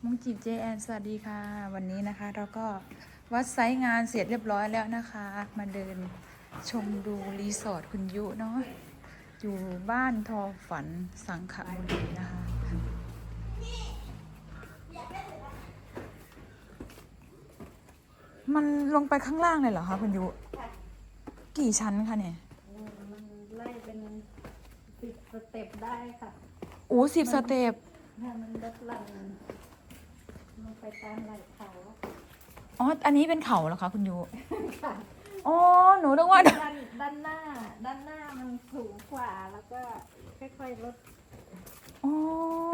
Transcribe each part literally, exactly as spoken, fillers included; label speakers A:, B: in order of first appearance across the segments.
A: มุงจีบเจแอนสวัสดีค่ะวันนี้นะคะเราก็วัดไซต์งานเสร็จเรียบร้อยแล้วนะคะ มาเดินชมดูรีสอร์ทคุณยุเนาะอยู่บ้านทอฝันสังขบุรีนะคะ มันลงไปข้างล่างเลยเหรอคะคุณยุกี่ชั้นคะเนี่ย
B: มันไล่เป็นสิบสเต็ปได้ค่ะ
A: โอ้สิบสเต็ป
B: ถ้ามันลดหลั่นลงไปตามไหล่เขา
A: อ๋ออันนี้เป็นเขาเหรอคะคุณยุ
B: ค่ะ
A: อ๋อหนูนึกว่า
B: ด้านด้านหน้า ด้านหน้ามันสูงกว่าแล้วก็ค่อยๆลด
A: อ๋อ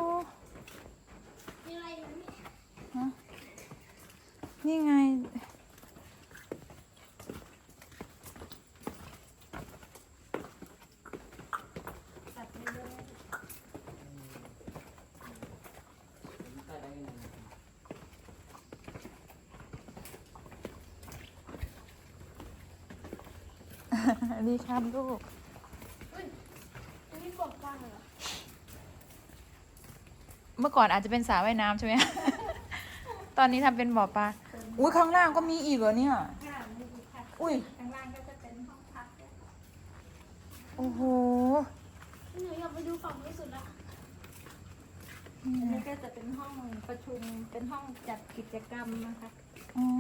A: นี่ไง
B: ตัดไปเรื่อย
A: ดีครับลูก
B: นี่กบบ้างเหรอ
A: เมื่อก่อนอาจจะเป็นสระว่ายน้ำใช่ไหม ตอนนี้ทำเป็นบ่อปลา อุ้ยข้างล่างก็มีอีกเหรอเนี่ย
B: ค่ะมีอีกค่ะ
A: อุ้ย
B: ข้างล่างก็จะเป็นห้องพักด้วย
A: โอ้โห
B: หนูอยากไปดูฝั่งที่สุดละอันนี้ก็จะเป็นห้องประชุม เป็นห้องจัดกิจกรรมนะคะ
A: อ๋อ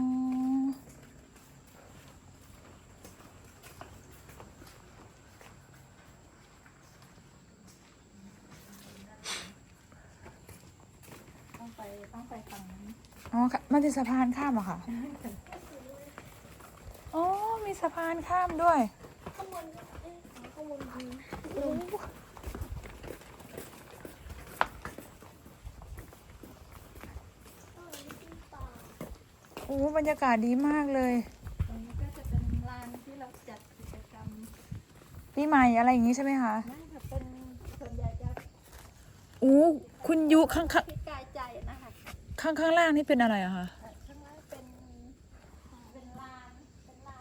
B: ต้องไปต้องไปฝั่งนั้น
A: อ๋อมันเป็นสะพานข้ามเหรอคะอ๋อมีสะพานข้ามด้วย
B: ข้างบนเอ๊ะข้างบนดี
A: โอ้โอ้บรรยากาศดีมากเลย
B: ตรงนี้ก็จะเป็นลานที่เราจัดกิจกรรม
A: ปีใหม่อะไรอย่างนี้ใช่ไหมคะ
B: นั่นค่ะเป็นส่วนใหญ่จะ
A: อู้คุณยุข้างข้าง
B: พิกายใจนะคะ
A: ข้างข้างล่างนี่เป็นอะไรอะคะ
B: ข้างล่างเป็นเป็นลานเป็นลาน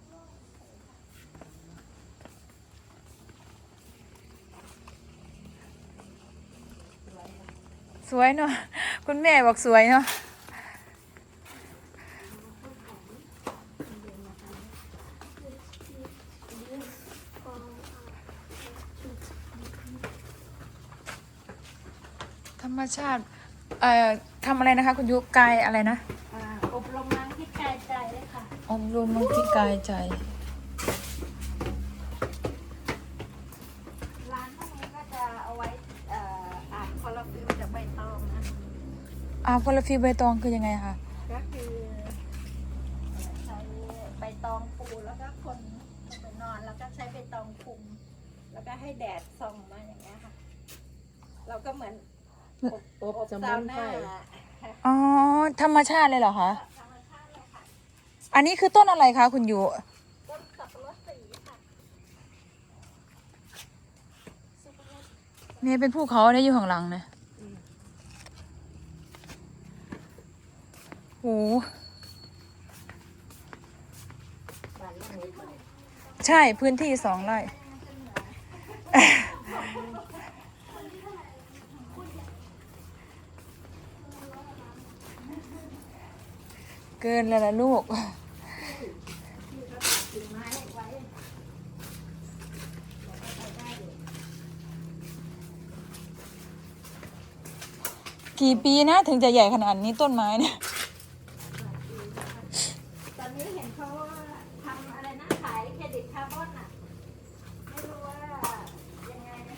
A: สวยเนาะคุณแม่บอกสวยเนาะธรรมชาติเอ่อทำอะไรนะคะคุณยุกายอะไรนะ
B: อบรมมังพิกายใจเลยค่ะ
A: อบรมมังพิกายใจ
B: ร้านพวกนี้ก็จะเอาไว้อ่านคอลลาฟิลจากใบตองนะ
A: อ่าคอลลาฟิลใบตองคือยังไงคะ
B: ก็คือใช้ใบตองปูแล้วก็คนไปนอนแล้วก็ใช้ใบตองคลุมแล้วก็ให้แดดส่องมาอย่างเงี้ยค่ะเราก็เหมือน
C: อบอบสมุนไพร
A: อ๋อธรรมชาติเลยเหรอคะ
B: ธรรมชาติเลยค่ะ
A: อันนี้คือต้นอะไรคะคุณยุ
B: ต้นสับปะรดสีค่ะ
A: เนี่ยเป็นภูเขาได้อยู่ข้างหลังเนี่ยโอ้ใช่พื้นที่สองไร่เกินแล้วล่ะลูกกี่ปีนะถึงจะใหญ่ขนาดนี้ต้นไม้เนี่ย
B: ตอนนี้เห็นเขาทำอะไรนะขายเครดิตคาร์บอนอ่ะไม่รู้ว่ายังไงนะ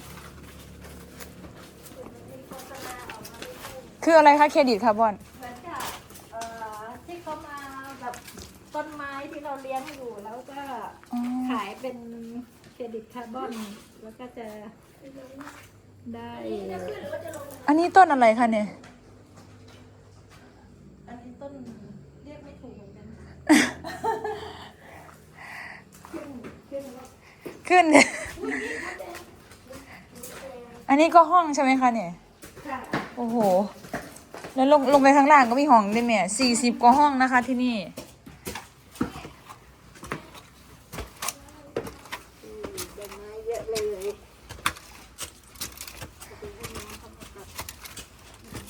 B: มีโฆษณาออกมาเรื่อยๆ
A: คืออะไรคะเครดิตคาร์บอน
B: เหมือนกับเอ่อที่เขามาแบบต้นไม้ที่เราเลี้ยงอยู่แล้วก็ขายเป็นเครดิตคาร์บอนแล้วก็จะได้
A: อันนี้ต้นอะไรคะเนี่ย
B: อันนี้ต้นเรียกไม่ถูกเหมือนกันขึ้นขึ้น
A: ขึ้นอันนี้ก็ห้องใช่ไหมคะเนี่ยโอ้โหแล้วลงลงไปข้างล่างก็มีห้องด้วยแม่สี่สิบกว่าห้องนะคะที่นี่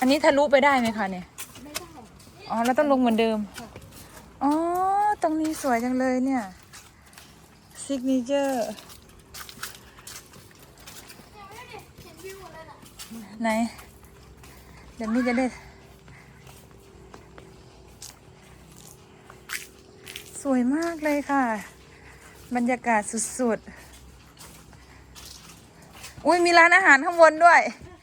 A: อันนี้ทะลุไปได้ไหมคะเนี่ย
B: ไม่ได้
A: อ๋อ แล้วต้องลงเหมือนเดิม อ๋อ ตรงนี้สวยจังเลยเนี่ย ซิกเนเจอร์ ไหน เดี๋ยวมี่จะได้ สวยมากเลยค่ะ บรรยากาศสุดๆ อุ้ยมีร้านอาหารข้างบนด้วย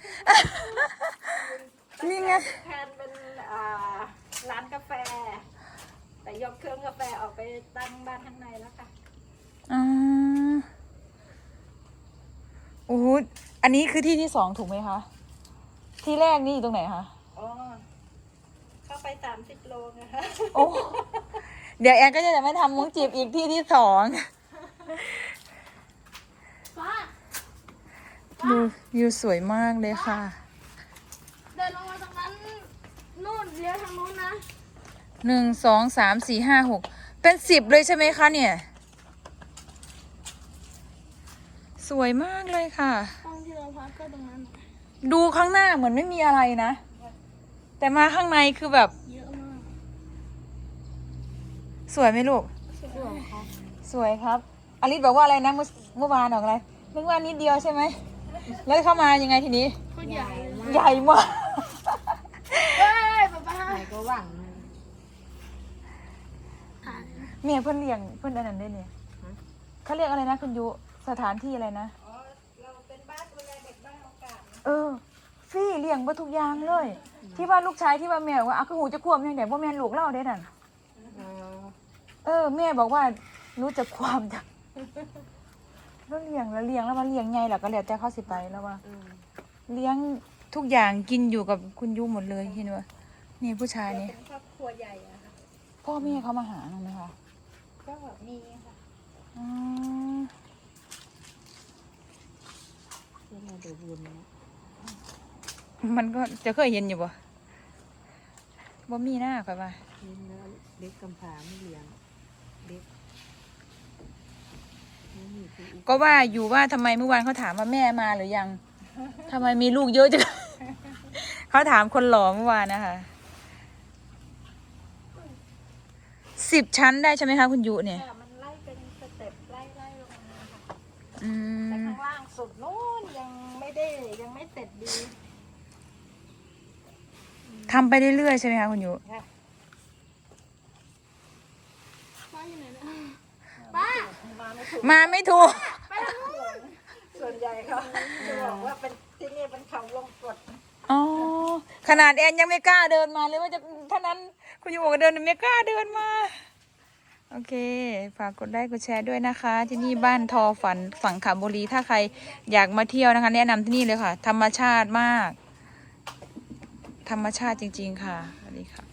A: นี่ไง
B: แทนเป็นอ่าร้านกาแฟ แต่ยกเครื่องกาแฟออกไปตั้งบ้านข้างในแล้วค่ะ
A: อ๋อโอ้โหอันนี้คือที่ที่สองถูกไหมคะ ที่แรกนี่อยู่ตรงไหนคะ
B: อ๋อ เข้าไปสามสิบโลนะคะ
A: โอ้ เดี๋ยวแอนก็จะไม่ทำมุ้งจีบอีกที่ที่สองวิววิวสวยมากเลยค่ะ
D: เดินลงมาตรงนั้นนู่นเลี้ยวทางนู้นนะ
A: หนึ่ง สอง สาม สี่ ห้า หก เป็นสิบเลยใช่ไหมคะเนี่ย สวยมากเลยค่ะ
D: ห้องที่เราพักก็ตรงนั้นน่ะ
A: ดูข้างหน้าเหมือนไม่มีอะไรนะ แต่มาข้างในคือแบบ
D: เยอะมาก
A: สวยไหมลูก
D: สวยค่ะ
A: สวยครับอลิสบอกว่าอะไรนะเมื่อเมื่อวานบอกอะไรนึกว่านิดเดียวใช่ไหม แล้วเข้ามายังไงทีนี้
D: โคตรใหญ่เลย
A: ใหญ่มาก
D: เฮ้ยป๊าป๊า
C: ไหนก็หวัง
D: ถ่าย
A: เมียเพื่อนเลี้ยงเพื่อนอันนั้นได้เนี่ยเขาเรียกอะไรนะคุณยุสถานที่อะไรนะ
B: อ๋อ เราเป็นบ้านดูแลเด็กบ้านโอกาสนะ
A: เออฟรี่เลี้ยงมาทุกอย่างเลย ที่ว่าลูกชายที่ว่าแม่บอกว่าเอาคือหูจะควบยังไงว่าแม่ลูกเล่าได้นั่น
C: อ๋อ
A: เออแม่บอกว่ารู้จักความจ้ะแล้วเลี้ยงแล้วเลี้ยงแล้วมาเลี้ยงไงล่ะก็แล้วแต่เขาสิไปแล้วว่า
C: อืม
A: เลี้ยงทุกอย่างกินอยู่กับคุณยุหมดเลยเห็นไหมนี่ผู้ชายนี่
B: เป็นครอบครัวใหญ่อะค่ะ
A: พ่อแม่เขามาหาหนูไหมคะ
B: ก็มีค่ะ
A: อืม
C: ที่เราดูบุญนะ
A: มันก็จะเคยเห็นอยู่บ่บ่มีหน้าค่ะว่า
C: เลี้ยงแล้วเด็กกำพร้าไม่เลี้ยงเด็กไม่มีผู้อุป
A: ก็ว่าอยู่ว่าทำไมเมื่อวานเขาถามว่าแม่มาหรือยังทำไมมีลูกเยอะจัง เขาถามคนหล่อเมื่อวานนะคะสิบชั้นได้ใช่ไหมคะคุณยุเนี่ย
B: ค่ะมันไล่เป็นสเต็ปไล่ไล่ลงมาค่ะ
A: อื
B: แต่
A: ม
B: ข้างล่างสุดนู้นยังไม่ได้ยังไม่เสร็จดี
A: ทำไปเรื่อยๆใช่ไหมคะคุณยุ
B: ค่ะ
D: ป้าอยู่ไหนนะป้า
B: มาไม่ถูก
A: มาไม่ถูก
D: ไปทางนู้น
B: ส่วนใหญ่เขาจะบอกว่าเป็นที่นี่เป็นเขาวงกต
A: อ๋อขนาดแอนยังไม่กล้าเดินมาเลยว่าจะท่านั้นคุณยุบอกว่าเดินไม่กล้าเดินมา โอเค ฝากกดไลค์กดแชร์ด้วยนะคะ ที่นี่บ้านทอฝันสังขบุรี ถ้าใครอยากมาเที่ยวนะคะ แนะนำที่นี่เลยค่ะ ธรรมชาติมาก ธรรมชาติจริงๆค่ะสวัสดีค่ะ